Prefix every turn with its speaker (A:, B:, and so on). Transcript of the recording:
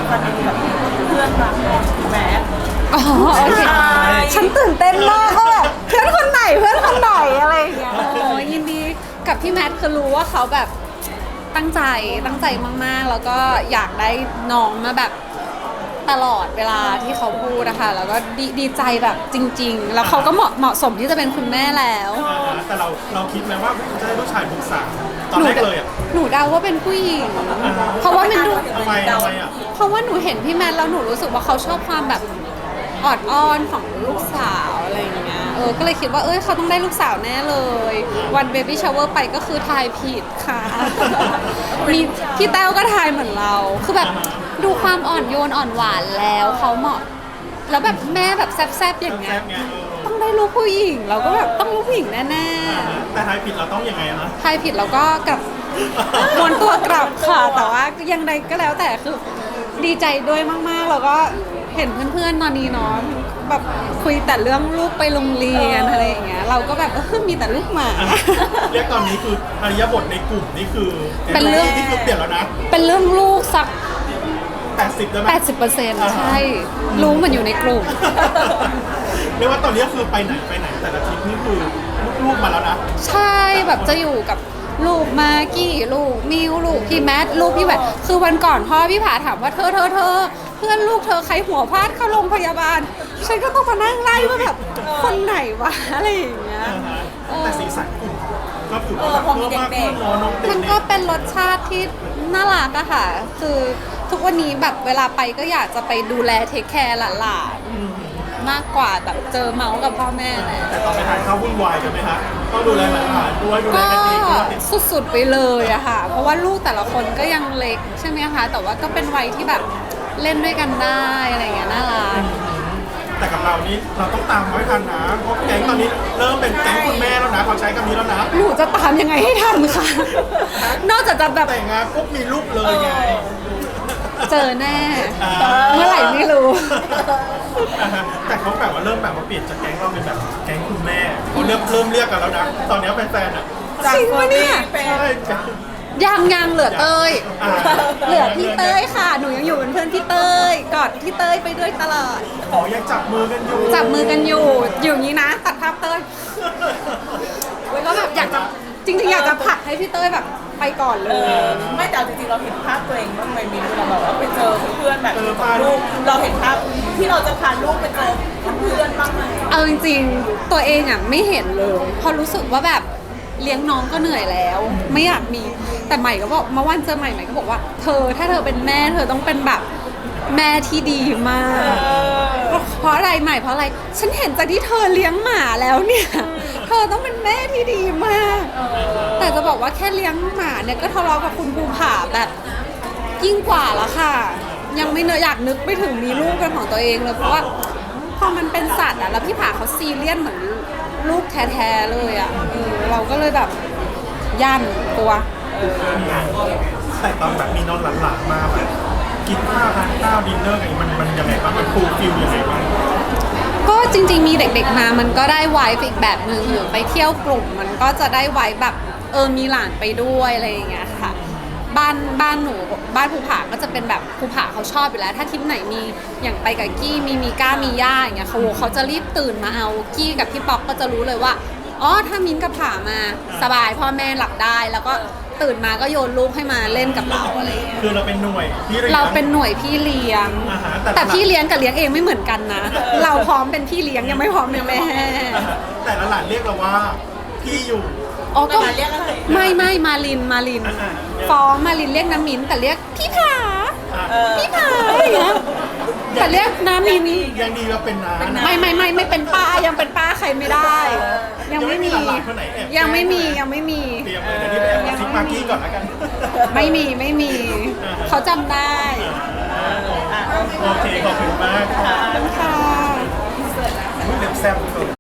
A: ฟันดีกับเพื่อนรักแมส
B: อ๋อโอเคฉันตื่นเต้นมากว่าแบบเพื่อนคนไหนอะไรอย่างเงี้ยโอ้ยินดีกับพี่แมทคือรู้ว่าเขาแบบตั้งใจมากๆแล้วก็อยากได้น้องมาแบบตลอดเวลาที่เขาพูดนะคะแล้วก็ดีใจแบบจริงๆแล้วเขาก็เหมาะสมที่จะเป็นคุณแม่แล้ว
C: แต่เราคิดไหมว่าจะได้ลูกชายลูกสาวตอนแรกเลยอ่ะ
B: หนูเดาว่าเป็นผู้หญิงเพราะว่ามันดู
C: ทำไมอ่ะ
B: เพราะว่าหนูเห็นพี่แมทแล้วหนูรู้สึกว่าเขาชอบความแบบออดอ้อนของลูกสาวอะไรอย่างเงี้ยก็เลยคิดว่าเขาต้องได้ลูกสาวแน่เลยวันเบบี้ชาวเวอร์ไปก็คือทายผิดค่ะ มีพี่แต้วก็ทายเหมือนเราคือแบบดูความอ่อนโยนอ่อนหวานแล้วเขาเหมาะแล้วแบบแม่แบบแซ่บๆอย่างเงี้ยต้องได้ลูกผู้หญิงเราก็แบบต้องลูกผู้หญิงแน่
C: ๆแต่ทายผิดเราต้องยังไงนะ
B: ทายผิดเราก็กลับวนตัวกลับค่ะแต่ว่ายังไงก็แล้วแต่คือดีใจด้วยมากๆแล้วก็เห็นเพื่อนๆตอนนี้เนาะแบบคุยแต่เรื่องลูกไปโรงเรียนอะไรอย่างเงี้ยเราก็แบบมีแต่ลูกหมา
C: เรียกตอนนี้คืออริยบทในกลุ่มนี่คือ
B: เป็นเรื่อง
C: ที่คือเปลี่ยนแล้วนะ
B: เป็นเรื่องลูกสัก
C: 80ได้ไหม
B: 80%ใช่รู้มันอยู่ในกลุ่ม
C: เรียกว่าตอนนี้คือไปไหนแต่ละทริปนี่คือลูกมาแล้วนะ
B: ใช่แบบจะอยู่กับลูกมากี้ลูกมิวลูกพี่แมทลูกพี่แหวนคือวันก่อนพ่อพี่ผาถามว่าเธอเพื่อนลูกเธอใครหัวพลาดเข้าโรงพยาบาลฉันก็ต้องมานั่งไล่ว่าแบบคนไหนวะอะไรอย่างเงี้ย
C: แต่สีสันกลุ่มก็ถือว่าแบบเพิ่มมากขึ้นน้องเด็ก
B: มันก็เป็นรสชาติที่น่ารักอะค่ะคือทุกวันนี้แบบเวลาไปก็อยากจะไปดูแลเทคแคร์หลานๆมากกว่าแบบเจอเมาส์กับพ่อแม่
C: แต่ตอนไปทานข้าววุ่นวายกันไหมคะต้องดูแลหลานด้วยดูแลกันเองด้วย
B: สุดๆไปเลยอะค่ะเพราะว่าลูกแต่ละคนก็ยังเล็กใช่ไหมคะแต่ว่าก็เป็นวัยที่แบบเล่นด้วยกันได้อะไรเงี้ยน่ารัก
C: แต่กับเรานี่เราต้องตามไม่ทันนะเพราะแก๊งตอนนี้เริ่มเป็นแก๊งคุณแม่แล้วนะเขาใช้คำนี้แล้วนะ
B: หนูจะตามยังไงให้ทันคะนอกจากจะแบบ
C: แต่งงานปุ๊บมีลูกเลยไง
B: เจอแน่เมื่อไหร่ไม่รู้
C: แต่เขาแบบว่าเริ่มแบบว่าเปลี่ยนจากแก๊งเราเป็นแบบแก๊งคุณแม่เขาเริ่มเรียกกันแล้วนะตอนนี้แฟนๆอ่ะ
B: จริงปะเนี่ย
C: ใช่
B: ยังเหลือเต้ยเหลือพี่เต้ยค่ะหนูยังอยู่เป็นเพื่อนพี่เต้ยกอดพี่เต้ยไปด้วยตลอด
C: ยังจับมือกันอยู่
B: อย่างนี้นะตัดภาพเต้ยก็แบบอยากจะจริงๆอยากจะผลักให้พี่เต้ยแบบไปก่อนเลย
A: ไม่แต่จริงๆเราเห็นภาพตัวเองบ้างไหมมินเราแบบว่าไปเจอเพื่อนแบบลูกเราเห็นภาพที่เราจะพาลูกไปเจอเพื่อนบ้างไหม
B: เอาจริงๆตัวเองอ่ะไม่เห็นเลยพอรู้สึกว่าแบบเลี้ยงน้องก็เหนื่อยแล้วไม่อยากมีแต่ใหม่ก็บอกเมื่อวันเจอใหม่ก็บอกว่าถ้าเธอเป็นแม่เธอต้องเป็นแบบแม่ที่ดีมากเพราะอะไรใหม่เพราะอะไรฉันเห็นจากที่เธอเลี้ยงหมาแล้วเนี่ยเธอต้องเป็นแม่ที่ดีมากแต่จะบอกว่าแค่เลี้ยงหมาเนี่ยก็ทะเลาะกับคุณภูผาแบบยิ่งกว่าแล้วค่ะยังไม่อยากนึกไปถึงมีลูกเป็นของตัวเองเลยเพราะว่าพอมันเป็นสัตว์อะแล้วพี่ผาเขาซีเรียสเหมือนลูกแท้ๆเลยอะเราก็เลยแบบย่านกลัว
C: แต่ตอนแบบมีน้องหลานๆมาแบบกินข้าวทานข้าวดินเนอร์อะไรมันยังไงบ้างมันฟูลฟิลยังไงบ้าง
B: ก็จริงๆมีเด็กๆมามันก็ได้ไวฟ์อีกแบบนึงหรือไปเที่ยวกลุ่มมันก็จะได้ไวฟ์แบบมีหลานไปด้วยอะไรอย่างเงี้ยค่ะบ้านหนูบ้านภูผาก็จะเป็นแบบภูผาเขาชอบอยู่แล้วถ้าทริปไหนมีอย่างไปกับกี้มีก้ามีย่าอย่างเงี้ยเขาจะรีบตื่นมาเอากี้กับพี่ป๊อกก็จะรู้เลยว่าถ้ามิ้นกับผามาสบายพ่อแม่หลับได้แล้วก็ตื่นมาก็โยนลูกให้มาเล่นกับเราอะไรอย่างเงี้ย
C: คือเราเป็นหน่วยพี่เลี้ยง
B: เราเป็นหน่วยพี่เลี้ยงแต่พี่เลี้ยงกับเลี้ยงเองไม่เหมือนกันนะเราพร้อมเป็นพี่เลี้ยงยังไม่พร้อมเป็นแม่
C: แต่ละหลานเรียกเราว่าพี่อยู่
B: ก็ไม่มาลินฟ้องมาลินเรียกน้ำมิ้นแต่เรียกพี่ผาอย่างเงี้ยแต่เรียกน้ำมิ้น
C: ยังดีว่าเป็นน้า
B: ไม่เป็นป้ายังเป็นป้าใครไม่ได้ยังไม่มียังไม่มี
C: เตรียมเลยเดี๋ยวนี้ไปแอบทิกมากี้ก่อนแล้วกัน
B: ไม่มีเขาจำได้
C: โอเคขอบคุณมาก
B: ค่ะ
C: เล็บแซ่บ